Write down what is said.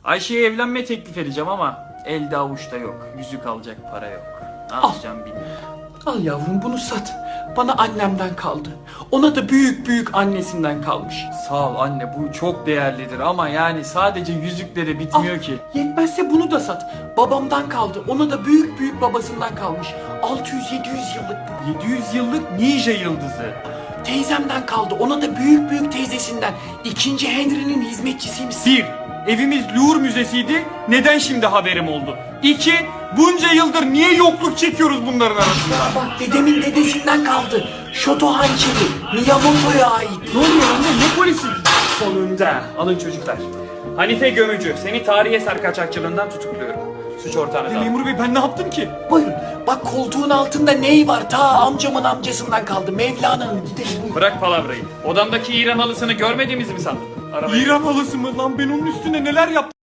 Ayşe'ye evlenme teklif edeceğim ama elde avuçta yok. Yüzük alacak para yok. Ne yapacağım bilmiyorum. Al yavrum bunu sat. Bana annemden kaldı. Ona da büyük büyük annesinden kalmış. Sağ ol anne, bu çok değerlidir ama yani sadece yüzükleri bitmiyor ki. Yetmezse bunu da sat. Babamdan kaldı. Ona da büyük büyük babasından kalmış. 600-700 yıllık bu. 700 yıllık ninja yıldızı. Teyzemden kaldı. Ona da büyük büyük teyzesinden. 2. Henry'nin hizmetçisiymiş. 1. Evimiz Louvre Müzesi'ydi. Neden şimdi haberim oldu? 2. Bunca yıldır niye yokluk çekiyoruz bunların arasında? Bak dedemin dedesinden kaldı. Shoto hançeri. Miyamoto'ya ait. Ne oluyor anne? Ne polisi? Sonunda. Alın çocuklar. Hanife Gömücü, seni tarihi eser kaçakçılığından tutukluyorum. Suç ortağınız al. Memur bey ben ne yaptım ki? Buyurun. Bak koltuğun altında ney var? Ta amcamın amcasından kaldı. Mevlana'nın. Gidelim. Buyurun. Bırak palavrayı. Odamdaki İran halısını görmediğimizi mi sandın? Arabaya. İran halısı mı lan, ben onun üstüne neler yaptım?